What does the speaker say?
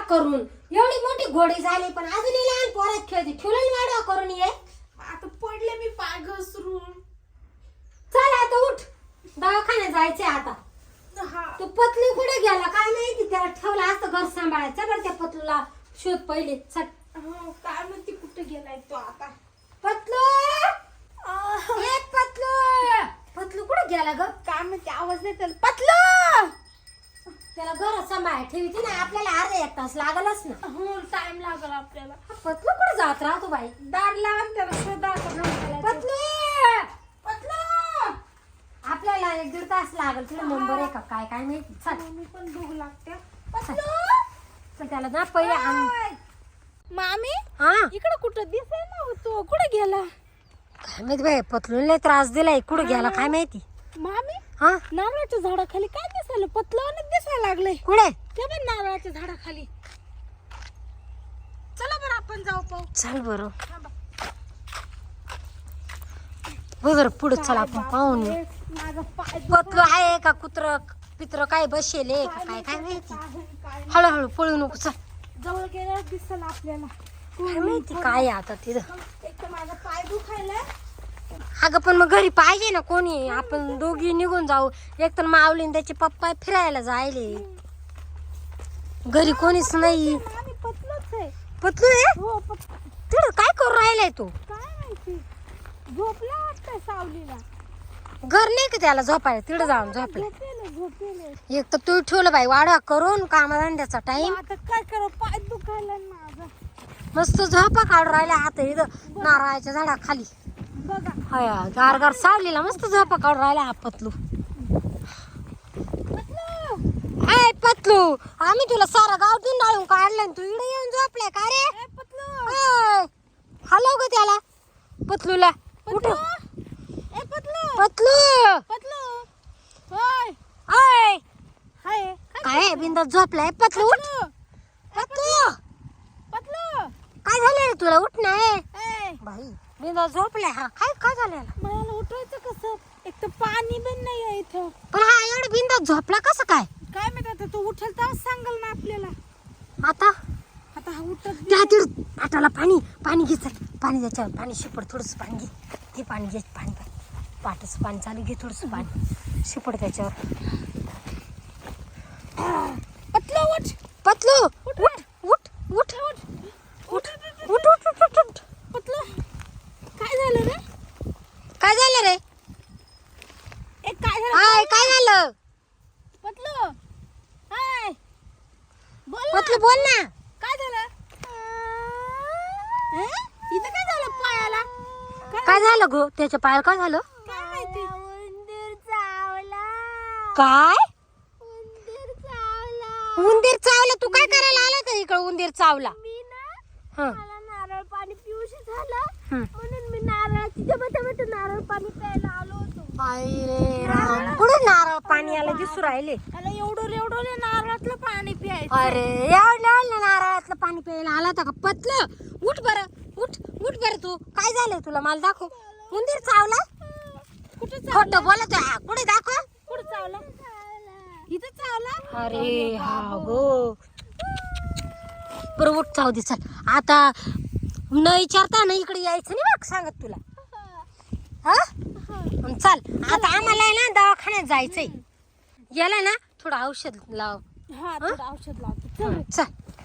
करून एवढी मोठी घोडी झाली पण अजूनही लहान पोरात खेळते ठेवलं वाढवा करून ये आता पडले मी पाय घसरून. चल आता उठ दवाखान्यात जायचंय आता हा तो पतलू कुठे गेला काय माहिती त्याला ठेवला असतं घर सांभाळायचं बरं त्या पतलूला शोध पहिले चल हो काय म्हणते कुठे गेलाय तो आता. पतलू ए पतलू पतलू कुठे गेला ग काय म्हणते आवाज नाही त्याला. पतलं त्याला घरात सांभाळ ठेवते ना आपल्याला अर्धा एक तास लागलच ना हो टाइम लागल आपल्याला. हा पतलू कुठे जात राहतो बाई दार लावून त्याला शोधा आता. पतलू पतलं आपल्याला 1-1.5 तास लागल तुला नंबर आहे का काय काय माहिती चल मी पण भूक लागते. चल त्याला ना पहिले आण मामी हा इकडे कुठं दिसे ना तो कुठे गेला. काय माहिती बाई पतलूला त्रास दिलाय कुठे गेला काय माहिती मामी हा नारळाच्या झाडाखाली काय दिसायला पतलं दिसायला लागलंय. कुठे ते पण नारळाच्या झाडाखाली. चला बरं आपण जाऊ पाहू. चल बरं बरं पुढे चल आपण पाहून येऊ. माझा पाय पतलू आहे का कुत्र पित्र काय बसेल आहे का काय काय माहिती हळूहळू पळू नको चल जवळ गेल्यावर दिसल आपल्याला. काय माहिती काय आहे आता तिथं एक तर माझा पाय दुखायला. अगं पण मग घरी पाहिजे ना कोणी आपण दोघी निघून जाऊ एक तर माऊली त्याचे पप्पा फिरायला जायले घरी कोणीच नाही मामी पतलंच आहे. पतलू आहे हो तिथं काय करू राहिलाय तू काय माहिती झोपला वाटतंय सावलीला. घर नाही का त्याला झोपायला तिथं जाऊन झोपले झोपेले. एक तर तू ठेवलं बाई वाढवा करून कामाधंद्याचा टाइम आता काय करू पाय दुखायला माझा. मस्त झोपा काढून राहिला आता इथं नारळाच्या झाडाखाली बघा हया गार गार सावलीला मस्त झोपा काढून राहिला हा पतलू ऐ पतलू आम्ही तुला सारा गाव डाळून काढलं तू इकडे येऊन झोपलाय का रे पतलू हलव ग त्याला पतलूला उठ ए पतलू पतलू पतलू होय ऐ हाय काय बिंदास झोपलाय पतलू उठ पतलू पतलू काय झालं रे तुला उठ ना ए बाई बिंदास झोपलाय हा काय काय झालं मला उठवायचं कसं. एक तर पाणी पण नाही आहे इथं. पण हा एवढं बिंदास झोपला कसं काय काय माहित आता तो उठल तर सांगल ना आपल्याला. आता आता हा उठत त्या तिड पाटाला पाणी पाणी घे चल पाणी द्यायचं पाणी शिपड थोडंसं पाणी घे पाणी घे पाणी पाटाचं पाणी चालू घे थोडंसं पाणी शिपड त्याच्यावर पतलू उठ पतलू उठ उठ उठ उठ उठ उठ उठ उठ उठ पतलू काय झालं रे. काय झालं रे एक काय झालं हाय काय झालं पतलू हाय बोल पतलू बोल ना काय झालं. इथं काय झालं पायाला. काय झालं गो त्याच्या पायाला काय झालं काय माहिती. उंदीर चावला. काय उंदीर चावला. उंदीर चावला तू काय करायला आला तर इकडे उंदीर चावला मी ना हं मला नारळ पाणी पिऊशी झालं हं. म्हणून मी नारळाची जबत नारळ पाणी प्यायला आलो होतो. आई रे राम कुठं नारळ पाणी आलं दिसू राहिले मला एवढं नारळातलं पाणी प्यायचं. अरे एवढं नारळातलं पाणी प्यायला आला होता का पतलं उठ बरं उठ उठ बरं तू काय झालंय तुला मला दाखव उंदीर चावला कुठे खोटं बोलत आहे. कुठे दाखव कुठे चावला. इथं चावला. अरे हा गो बरं उठ चाव दे चल आता न विचारता ना इकडे यायचं नाही बघ सांगत तुला हा चल आता आम्हाला आहे ना दवाखान्यात जायचंय याला ना थोडं औषध लाव हा थोडं औषध लावतो. चल चल